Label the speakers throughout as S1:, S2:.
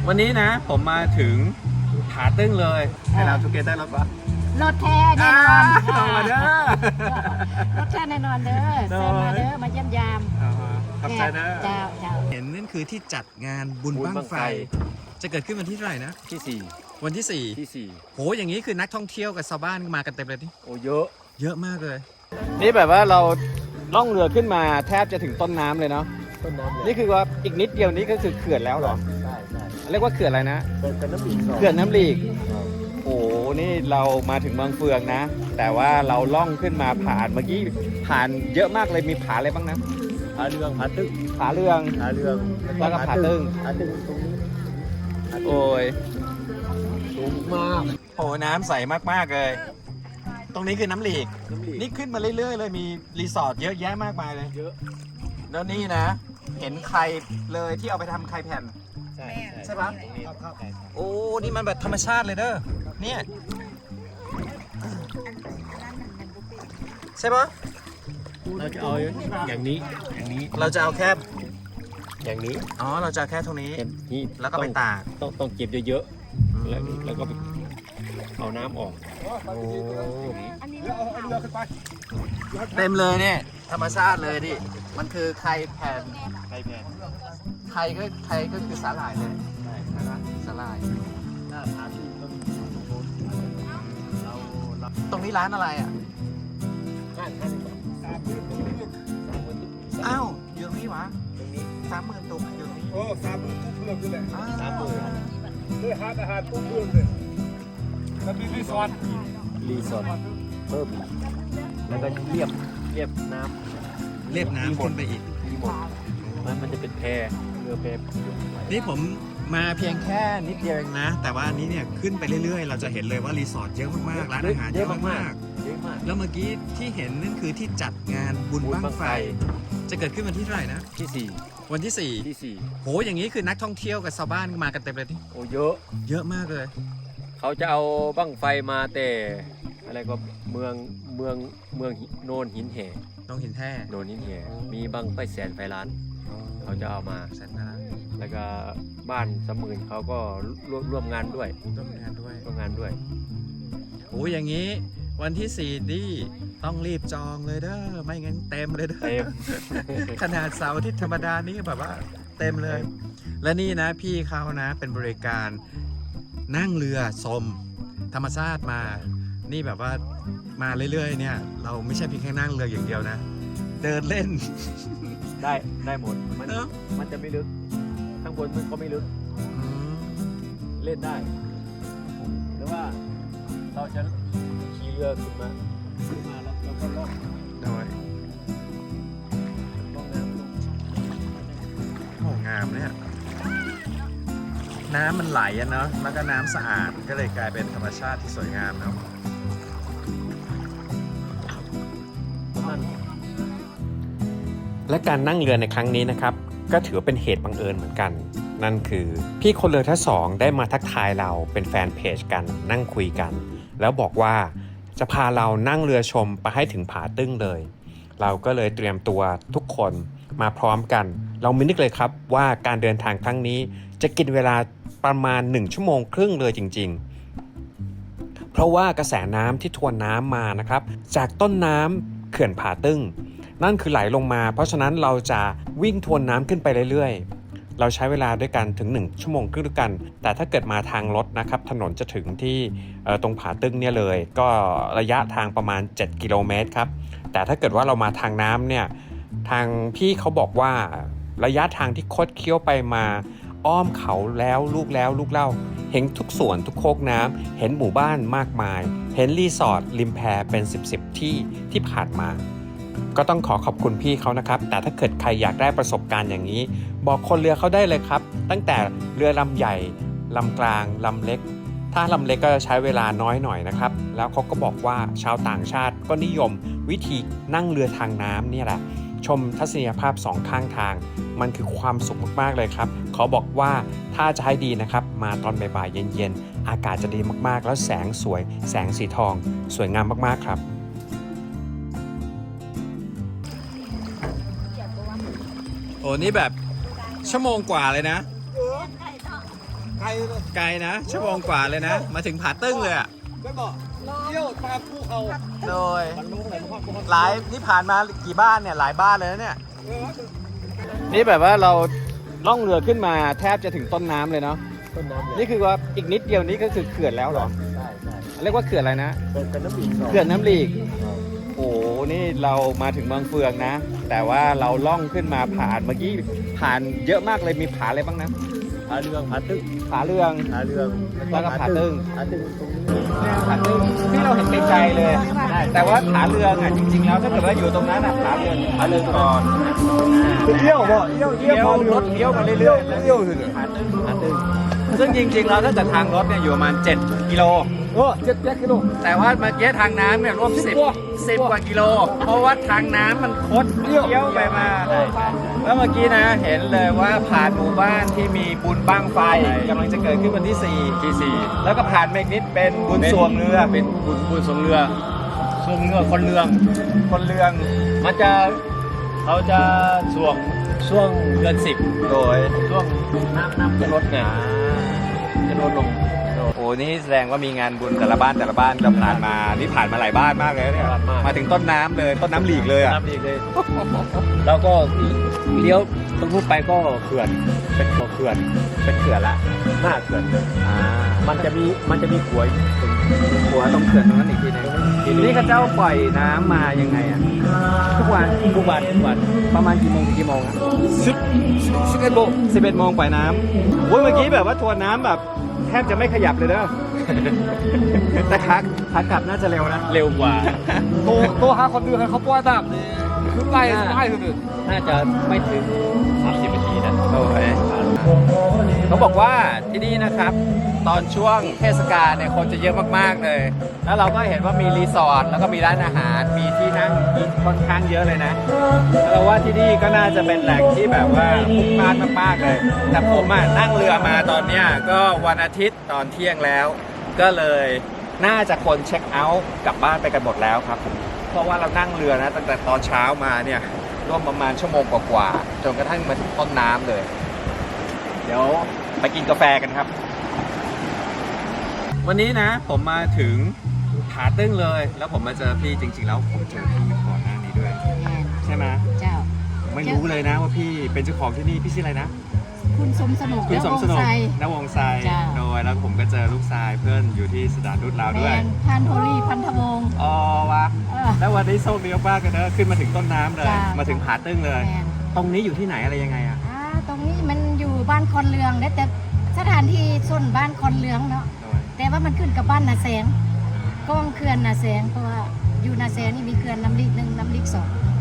S1: วันนี้นะผมมาถึงผาตึ้งเลยให้เราทูเกเตอร์รถปะ
S2: รถแท้แน่นอน
S1: ลงมาเด้อ
S2: รถแท้แน่นอนเด้อเซิร์ฟมาเด้อมาเยี่ยมยาม
S1: ขอบใจนะ
S2: เจ้าเจ้า
S1: เห็นนั่นคือที่จัดงานบุญบั้งไฟ จะเกิดขึ้นวันที่เท่าไหร่นะ
S3: ที่
S1: วันที่
S3: 4 ที่
S1: 4โหอย่างนี้คือนักท่องเที่ยวกับชาวบ้านมากันเต็มเลยนี่
S3: 4 โอ้เยอะ
S1: เยอะมากเลย นี่แบบว่าเราล่องเรือขึ้นมาแทบจะถึงต้นน้ำเลยเนาะ
S3: ต้นน้ำเลย
S1: นี่คือว่าอีกนิดเดียวนี้ก็คือเขื่อนแล้วเหรอ
S3: ใช่ใช่
S1: เรียกว่าเขื่อนอะไรนะ
S3: เป็นน้ำอีก
S1: เขื่อนน้ำลีก โอ้โห นี่เรามาถึงบางเฟืองนะ แต่ว่าเราล่องขึ้นมาผ่านเมื่อกี้ผ่านเยอะมากเลย มีผาอะไรบ้างนะ
S3: ผาเรืองผาตึ้ง
S1: ผาเรือง
S3: ผาเรือง
S1: แล้วก็ผาตึ้ง
S3: ผาตึ้งตรงนี้
S1: โอ้ย
S3: สูงมาก
S1: โอ้น้ำใสมากๆเลย ตรงนี้คือน้ำลีก
S3: น้ำลีก
S1: นี่ขึ้นมาเรื่อยๆเลย มีรีสอร์ทเยอะแยะมากมายเลย
S3: เยอะ
S1: แล้วนี่นะ เห็นใครเลยที่เอาไปทำไข่แผ่น
S3: ใช่
S1: ใช่ปะ
S3: ตรงนี้ใช่
S1: โอ้ นี่มันแบบธรรมชาติเลยเด้อ เนี่ย ใช่ปะ
S3: เราจะเอาอย่างนี้อย่างนี้
S1: เราจะเอาแค่
S3: อย่างนี้
S1: อ๋อ เราจะเอาแค่ตรงนี้
S3: เห็นนี่
S1: แล้วก็ไปตาก
S3: ต้องเก็บเยอะๆแล้วก็เอาน้ำออก
S1: โอ้เต็มเลยเนี่ย ธรรมชาติเลยดิ มันคือไข่แผ่น
S3: ใครแพน
S1: ไข่ก็คือสาหร่ายเลย
S3: ใช่
S1: ใช่ไหมสาหร่าย
S3: หน้าผาตึ้งต้องเรา
S1: ตรงนี้ร้านอะไรอ่ะ
S3: ห้าสิบบาท30,000
S1: อ้าว อยู่ตรงนี้วะ
S3: ตรงนี้
S1: 30,000ตุกอยู่ตรงนี้
S4: โอ้30,000ทุกเรื่องนี่แหละ
S1: อ้าว
S3: 30,000
S4: ด้วยอาหารทุกเรื่องเลยแล้วมีรีสอร์ท
S3: รีสอร์ทเพิ่มอีกแล้วก็เรียบน้ำ
S1: เรียบน้ำขึ้นไปอีก
S3: มีหมดมันจะเป็นแพเรือแพ
S1: นี่ผมมาเพียงแค่นิดเดียวเองนะ แต่ว่าอันนี้เนี่ยขึ้นไปเรื่อยๆ เราจะเห็นเลยว่ารีสอร์ทเยอะมากๆ ร้านอาหารเยอะมาก
S3: เยอะมาก
S1: ๆ แล้วเมื่อกี้ที่เห็นนั่นคือที่จัดงานบุญบั้งไฟ จะเกิดขึ้นวันที่เท่าไหร่นะ
S3: ที่
S1: วันที่
S3: 4 ที่
S1: 4โหอย่างนี้คือนักท่องเที่ยวกับชาวบ้านมากันเต็มเลยนี่
S3: 4 โอ้เยอะ
S1: เยอะมากเลย
S3: เขาจะเอาบั้งไฟมาแต่อะไรก็เมืองโนนหินแห่
S1: ต้องหินแท้
S3: โนนหินแห่มีบั้งไฟแสนไฟล้าน เขาจะเอามา
S1: แสนนา
S3: แล้วก็บ้าน30,000เขาก็ร่วมงานด้วย
S1: ต้องมีงานด้วย
S3: ร่วมงานด้วย
S1: โหอย่างนี้วันที่4นี่ต้องรีบจองเลยเด้อไม่งั้นเต็มเลยเด้อ
S3: เต็ม
S1: ขนาดเสาร์อาที่ธรรมดานี่แบบว่าเต็มเลย และนี่นะพี่เขานะเป็นบริการนั่งเรือชมธรรมชาติมา นี่แบบว่ามาเรื่อยๆเนี่ยเราไม่ใช่เพียงแค่นั่งเรืออย่างเดียวนะ เดินเล่น
S3: ได้หมดมัน
S1: เนอะ
S3: มันจะไม่ลึกข้างบนมันก็ไม่ลึก เล่นได้หรือว่าเราจะขี่เรือขึ้นมาแล้วเราก็ล่อง
S1: โดย
S3: น้ำลง
S1: โอ้งามเนี่ยน้ำมันไหลอะเนาะแล้วก็น้ำสะอาดก็เลยกลายเป็นธรรมชาติที่สวยงามเนาะ
S3: นั่น
S5: และการนั่งเรือในครั้งนี้นะครับก็ถือว่าเป็นเหตุบังเอิญเหมือนกัน นั่นคือพี่คนเรือทั้งสองได้มาทักทายเราเป็นแฟนเพจกันนั่งคุยกัน แล้วบอกว่าจะพาเรานั่งเรือชมไปให้ถึงผาตึ้งเลย เราก็เลยเตรียมตัวทุกคนมาพร้อมกัน เราไม่นึกเลยครับว่าการเดินทางครั้งนี้จะกินเวลาประมาณ1 ชั่วโมงครึ่งเลยจริงๆเพราะว่ากระแสน้ำที่ทวนน้ำมานะครับจากต้นน้ำเขื่อนผาตึ้งนั่นคือไหลลงมาเพราะฉะนั้นเราจะวิ่งทวนน้ำขึ้นไปเรื่อยๆเราใช้เวลาด้วยกันถึง1 ชั่วโมงครึ่งด้วยกันแต่ถ้าเกิดมาทางรถนะครับถนนจะถึงที่ตรงผาตึ้งเนี่ยเลยก็ระยะทางประมาณ7 กิโลเมตรครับแต่ถ้าเกิดว่าเรามาทางน้ำเนี่ยทางพี่เขาบอกว่าระยะทางที่คดเคี้ยวไปมาอ้อมเขาแล้วลูกเล่าเห็นทุกส่วนทุกโคกน้ำเห็นหมู่บ้านมากมายเห็นรีสอร์ทริมแพเป็น10ที่ผ่านมาก็ต้องขอบคุณพี่เขานะครับแต่ถ้าเกิดใครอยากได้ประสบการณ์อย่างนี้บอกคนเรือเขาได้เลยครับตั้งแต่เรือลำใหญ่ลำกลางลำเล็กถ้าลำเล็กก็จะใช้เวลาน้อยหน่อยนะครับแล้วเขาก็บอกว่าชาวต่างชาติก็นิยมวิธีนั่งเรือทางน้ำเนี่ยแหละชมทัศนียภาพ2 ข้างทางมันคือความสุขมากๆเลยครับเขาบอกว่าถ้าจะให้ดีนะครับมาตอนบ่ายๆเย็นๆอากาศจะดีมากๆแล้วแสงสวยแสงสีทองสวยงามมากๆครับ
S1: โอ้นี่แบบชั่วโมงกว่าเลยนะ
S4: ไกลเลย
S1: ไกลนะชั่วโมงกว่าเลยนะ มาถึงผาตึ้งเลยอ่ะ
S4: ไม่บอกเที่ยวตามภูเขา
S1: โดย
S4: มันลงไหนพ่อพ่อ
S1: หลายนี่ผ่านมากี่บ้านเนี่ยหลายบ้านเลยนะเนี่ย นี่แบบว่าเราล่องเรือขึ้นมาแทบจะถึงต้นน้ำเลยเนาะ
S3: ต้นน้ำเลย
S1: นี่คือว่าอีกนิดเดียวนี้ก็คือเขื่อนแล้วเหรอ
S3: ใช่ใช่
S1: เรียกว่าเขื่อนอะไรนะ
S3: เป็นน้ำอีก
S1: เขื่อนน้ำลีก โอ้โห นี่เรามาถึงเมืองเฟืองนะ แต่ว่าเราล่องขึ้นมาผ่านเมื่อกี้ผ่านเยอะมากเลยมีผาอะไรบ้างนะ
S3: ผาเรืองผาตึ้ง
S1: ผาเรือง
S3: ผาเรือง
S1: แล้วก็ผาตึ้ง
S3: ผาตึ้งตรงนี้
S1: ผาตึ้งที่เราเห็นไกลๆเลยแต่ว่าผาเรืองอ่ะจริงๆแล้วถ้าเกิดว่าอยู่ตรงนั้นอ่ะผาเรืองก่อน
S4: เที่ยวบ่เที่ยว
S1: เลี้ยวรถเลี้ยวมาเรื่อยๆ
S4: เที่ยวคือ
S1: ผาตึ้งผาตึ้งซึ่งจริงๆแล้วถ้าเกิดทางรถเนี่ยอยู่ประมาณ7กิโล
S4: โอ้7กิโล
S1: แต่ว่าเมื่อกี้ทางน้ำเนี่ยร่วม10กว่ากิโล เพราะว่าทางน้ำมันคดเลี้ยวไปมาแล้วเมื่อกี้นะเห็นเลยว่าผ่านหมู่บ้านที่มีบุญบั้งไฟกำลังจะเกิดขึ้นวันที่4แล้วก็ผ่านเมกนิดเป็นบุญสวงเรือ
S3: เป็นบุญสวงเรือสวงเรือคนเรือง
S1: คนเรือง
S3: มันจะเขาจะช่วงเดือน10
S1: โดย
S3: ช่วงน้ำจะลดไงจะลดลง
S1: โอ้นี่แสดงว่ามีงานบุญแต่ละบ้านเราผ่านมานี่ผ่านมาหลายบ้านมากเลยเนี่ยมาถึงต้นน้ำเลยต้นน้ำหลีกเลยอ่ะ
S3: น้ำดีเลย แล้วก็เลี้ยวตรงนู้นไปก็เขื่อนเป็นตัวเขื่อน
S1: เป็นเขื่อนละ
S3: หน้าเขื่อน
S1: อ่า
S3: มันจะมีขวยตรง
S1: หัวตรงเขื่อนตรงนั้นอีกทีนึงนี่เขาเจ้าปล่อยน้ำมายังไงอ่ะทุกวัน
S3: ทุกวัน
S1: ประมาณกี่โมงถึงกี่โมงอะ
S4: 11โมง
S1: 11 โมงปล่อยน้ำโอ้ยเมื่อกี้แบบว่าทวนน้ำแบบแทบจะไม่ขยับเลยเด้อ แต่ขากลับน่าจะเร็วนะ
S3: เร็วกว่า
S4: ตัวหาคนเดือดเขาป้อนน้ำนี่คือไล่คือ
S3: น่าจะไม่ถึง30 นาทีนะ
S1: โอ้ยเขาบอกว่าที่นี่นะครับ ตอนช่วงเทศกาลเนี่ยคนจะเยอะมากๆเลย แล้วเราก็เห็นว่ามีรีสอร์ทแล้วก็มีร้านอาหารมีที่นั่งกินค่อนข้างเยอะเลยนะเราว่าที่นี่ก็น่าจะเป็นแหล่งที่แบบว่าพลุกพล่านมากๆเลย แต่ผมอ่ะนั่งเรือมาตอนเนี้ยก็วันอาทิตย์ตอนเที่ยงแล้ว ก็เลยน่าจะคนเช็คเอาท์กลับบ้านไปกันหมดแล้วครับผมเพราะว่าเรานั่งเรือนะตั้งแต่ตอนเช้ามาเนี่ยร่วมประมาณชั่วโมงกว่าๆจนกระทั่งมาถึงต้นน้ำเลย เดี๋ยวไปกินกาแฟกันครับ วันนี้นะผมมาถึงผาตึ้งเลย แล้วผมมาเจอพี่จริงๆแล้วผมเจอพี่ก่อนหน้านี้ด้วย ใช่ไหม
S2: เจ้า
S1: ไม่รู้เลยนะว่าพี่เป็นเจ้าของที่นี่พี่ชื่ออะไรนะ
S2: คุณสมสนุก
S1: คุณสมสนุก
S2: และวงไซ
S1: นวงไซ
S2: จ้ะ
S1: โดยแล้วผมก็เจอลูกชายเพื่อนอยู่ที่สถานทูตลาว
S2: แม
S1: ด้วย
S2: นพันโทลี่พันธวงศ์
S1: อ๋อวะ
S2: เออ
S1: แล้ววันนี้โชคดีมากเลยนะขึ้นมาถึงต้นน้ำเลย
S2: จ้ะ
S1: มาถึงผาตึ้งเลย
S2: แมน
S1: ตรงนี้อยู่ที่ไหนอะไรยังไงอะ
S2: ตรงนี้มันอยู่บ้านคอนเรืองนะแต่สถานที่ส่วนบ้านคอนเรืองเนาะ
S1: โดย
S2: แต่ว่ามันขึ้นกับบ้านนาแสงกล้องเขื่อนนาแสงเพราะว่าอยู่นาแสงนี่มีเขื่อนน้ำลิก1น้ำลิก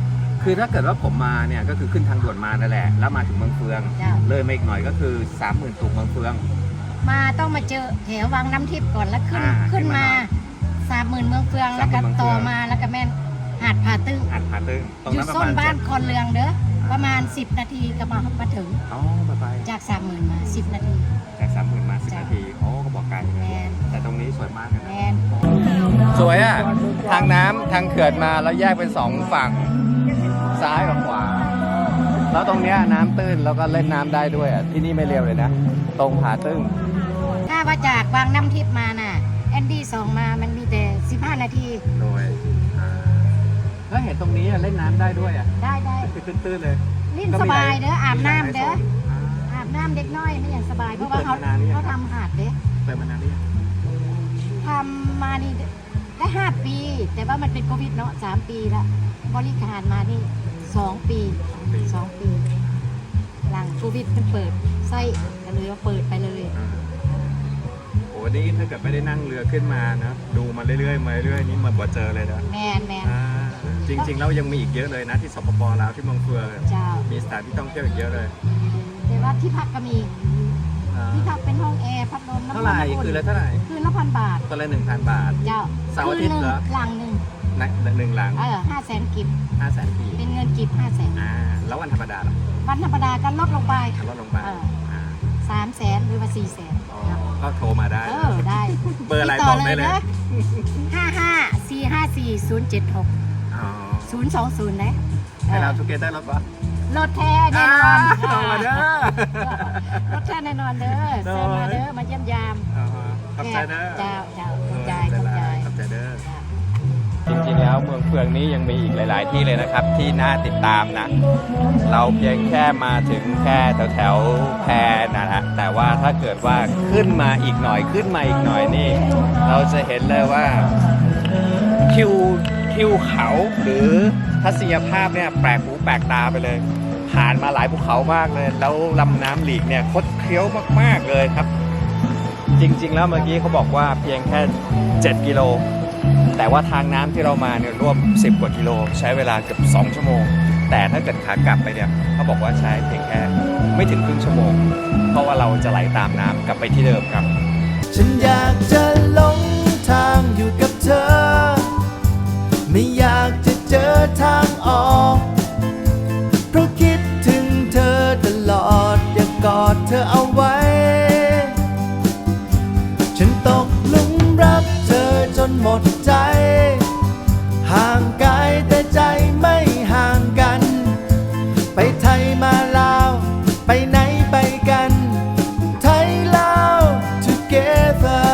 S2: 2
S1: คือถ้าเกิดว่าผมมาเนี่ยก็คือขึ้นทางด่วนมานั่นแหละแล้วมาถึงเมืองเฟือง
S2: จ้ะ
S1: เลยมาอีกหน่อยก็คือ 30,000ตุกเมืองเฟือง
S2: มาต้องมาเจอแถววังน้ำทิพย์ก่อนแล้วขึ้น
S1: ขึ้
S2: ขึ้
S1: น
S2: น
S1: มา
S2: มา30,000เมืองเฟืองแล้วก็
S1: 30,000เมืองเฟือง
S2: ต่อมาแล้วก็แม่นหาดผาตึ้ง
S1: หาดผาตึ้งตรง
S2: อยู่
S1: นั้นประ
S2: ส้
S1: มาน ณ
S2: บ้าน
S1: 7
S2: คอนเรืองเด้อประมาณ10 นาทีก็มาถึง
S1: อ๋อไป
S2: จาก 30,000มา10 นาที
S1: จาก 30,000 มา 10
S2: จ้ะ
S1: นาทีโอ้ก็บอกไกล
S2: แมน
S1: แต่ตรงนี้สวยมากเลย
S2: แม
S1: นะ
S2: น
S1: สวยอ่ะทางน้ำทางเขื่อนมาแล้วแยกเป็น2ฝั่งซ้ายกับขวา แล้วตรงเนี้ยน้ำตื้นแล้วก็เล่นน้ำได้ด้วยอ่ะที่นี่ไม่เร็วเลยนะ ตรงผาตึ้ง
S2: ถ้าว่าจากวังน้ำทิพย์มาน่ะแอนดี้2มามันมีแต่15 นาที
S1: โดยแล้วเห็นตรงนี้เล่นน้ำได้ด้วยอ่ะ
S2: ได้
S1: คือตื้นๆเลย
S2: ลิ้นสบายเด้ออาบน้ำเด้อ
S1: อ่า
S2: อาบน้ำเด็กน้อยไม่อย่างสบายเพราะว่า
S1: เปิดมานานหรือยัง
S2: เขาทำหาดเด้อ
S1: เปิดมานานหรือยัง
S2: ทำมานี่ได้5 ปี แต่ว่ามันเป็นโควิดเนาะ3 ปีละบริการมานี่2 ปี 2 ปี หลังโควิดมันเปิดไส้ก็เลยว่าเปิดไปเลย
S1: โอ้นี่ถ้าเกิดไม่ได้นั่งเรือขึ้นมานะดูมาเรื่อยๆมาเรื่อยๆนี่มันบ่เจอเลยนะ
S2: แมน
S1: อ่าจริงๆแล้วยังมีอีกเยอะเลยนะที่สปปลาวที่เมืองเฟือง
S2: เจ้า
S1: มีสถานที่ท่องเที่ยวอีกเยอะเลย
S2: แต่ว่าที่พักก็มี
S1: อ่า
S2: ที่พักเป็นห้องแอร์พัดลมน้ำ
S1: เท่าไหร่
S2: อุ่น
S1: คือละเท่าไหร่
S2: คืนละ1,000 บาท
S1: ตัวละ 1,000 บาท
S2: เจ้า
S1: เสาร์อาทิตย์เหรอ
S2: คืนหลังหนึ่ง
S1: นะหนึ่งหลัง
S2: 500,000 กิบ
S1: 500,000 กี
S2: เป็นเงินกิบ500,000
S1: แล้ววันธรรมดาล่ะ
S2: วันธรรมดาก็ลดลงไป
S1: ลดลงไปอ่า
S2: 300,000หรือว่า400,000
S1: อ๋อก็โทรมาได้
S2: ได้
S1: เบอร์อะไรบอกได้เลย
S2: 55 454 076
S1: อ๋อ
S2: 020นะ
S1: ให้เราทุกเกตได้รถปะ
S2: รถแท้แน่นอน
S1: ต่อมาเด้อ
S2: รถแท้แน่นอนเด้อเชิญมาเด้อมาเยี่ยมยาม
S1: ขอบใจเด้อ
S2: เจ้าขอบใจขอบใจ
S1: ขอบใจเด้อ
S5: จริงๆแล้วเมืองเฟืองนี้ยังมีอีกหลาย ๆ ที่เลยนะครับที่น่าติดตามนะ เราเพียงแค่มาถึงแค่แถวๆแพนะฮะแต่ว่าถ้าเกิดว่าขึ้นมาอีกหน่อยนี่ เราจะเห็นเลยว่าทิวเขาหรือทัศนียภาพเนี่ยแปลกหูแปลกตาไปเลย ผ่านมาหลายภูเขามากเลย แล้วลำน้ำหลีกเนี่ยคดเคี้ยวมากๆเลยครับ จริง ๆ แล้วเมื่อกี้เขาบอกว่าเพียงแค่ 7 กิโล แต่ว่าทางน้ำที่เรามาเนี่ยร่วม 10 กว่ากิโลใช้เวลาเกือบ2 ชั่วโมง แต่ถ้าเกิดขากลับไปเนี่ยเขาบอกว่าใช้เพียงแค่ไม่ถึงครึ่งชั่วโมง เพราะว่าเราจะไหลตามน้ำกลับไปที่เดิมครับ
S6: ฉันอยากจะหลงทางอยู่กับเธอ ไม่อยากจะเจอทางออก เพราะคิดถึงเธอตลอดอยากกอดเธอเอาไว้ ฉันตกหลุมรักเธอจนหมดใจ ห่างกายแต่ใจไม่ห่างกัน ไปไทยมาลาวไปไหนไปกัน ไทยลาว together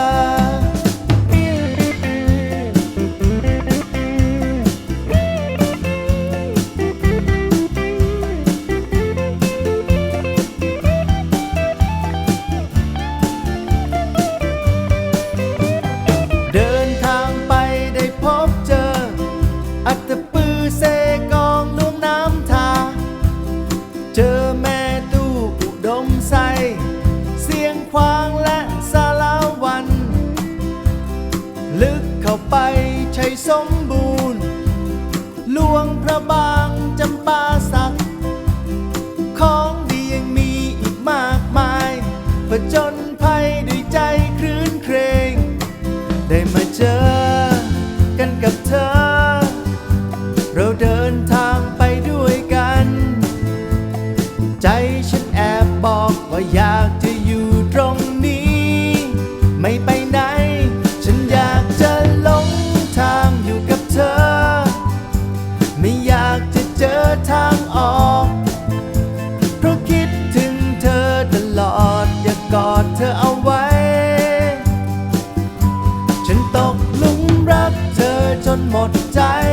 S6: เดินทางไปได้พบเจอ อัตตปือเซกองลุ่มน้ำทา เจอแม่ตู้อุดมใส เสียงควางและสารวัน ลึกเข้าไปชัยสมบูรณ์หลวงพระบางจำปาสัก ของดียังมีอีกมากมายผจญภัยด้วยใจครื้นเครง ได้มาเจอกันกับเธอ เราเดินทางไปด้วยกัน ใจฉันแอบบอกว่าอยากจะอยู่ตรงนี้ ไม่ไปไหน ฉันอยากจะหลงทางอยู่กับเธอ ไม่อยากจะเจอทางออก เพราะคิดถึงเธอตลอดอยากกอดเธอเอาไว้ ฉันตกหลุมรักเธอจนหมดใจ